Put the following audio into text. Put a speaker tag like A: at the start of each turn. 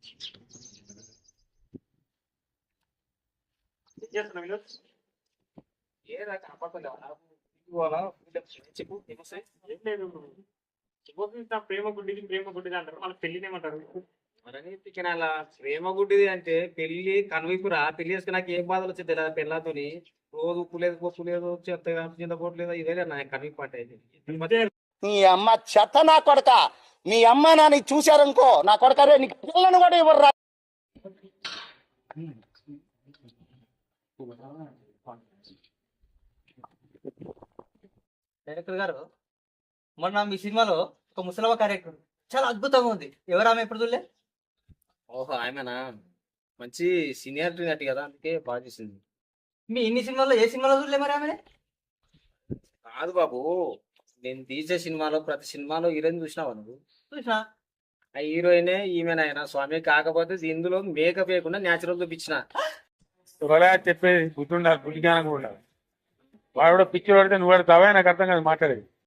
A: ఏదా కాపాడుకోలేవా చెప్పు
B: ఏం లేదు. ప్రేమ గుడ్డిది ప్రేమ గుడ్డిది అంటారు, వాళ్ళ పెళ్లినేమంటారు?
A: మరని పిచ్చినాల ప్రేమ గుడ్డిది అంటే పెళ్లి కనువిపురా. పెళ్లి చేసుకున్నాక ఏం బాధలు వచ్చేది తెలియదు పెళ్ళతోని. రోజు ఉప్పు లేదు పప్పు లేదు చెత్త చింతపోవట్లేదు, ఇదే నా కనువిపు అంటే.
C: నీ అమ్మ చెత్త నా కొడక, మీ అమ్మ నాని చూశారనుకో నా కొడక రే నీకు పిల్లను కూడా ఇవ్వరు.
D: డైరెక్టర్ గారు, మొన్న మీ సినిమాలో ఒక ముసలమ్మ క్యారెక్టర్ చాలా అద్భుతంగా ఉంది. ఎవరు ఆమె ఎప్పుడు చూడలే?
A: ఓహో ఆమెనా, మంచి సీనియారిటీ నటి కదా, అందుకే బాగా చేసింది.
D: మీ ఇన్ని సినిమాల్లో ఏ సినిమాలో చూడలే మరి ఆమె?
A: కాదు బాబు, నేను తీసే సినిమాలో ప్రతి సినిమాలో హీరోయిన్ చూసినావా నువ్వు?
D: చూసినా.
A: ఆ హీరోయినే ఈమెనైనా స్వామి. కాకపోతే ఇందులో మేకప్ వేయకుండా న్యాచురల్ చూపించిన.
B: చెప్పేది బుద్ధి ఉండాలి, బుద్ధి జ్ఞానం కూడా ఉండాలి. వాడు కూడా పిచ్చి పడితే నువ్వు పడతావా? నాకు అర్థం కాదు మాట్లాడేది.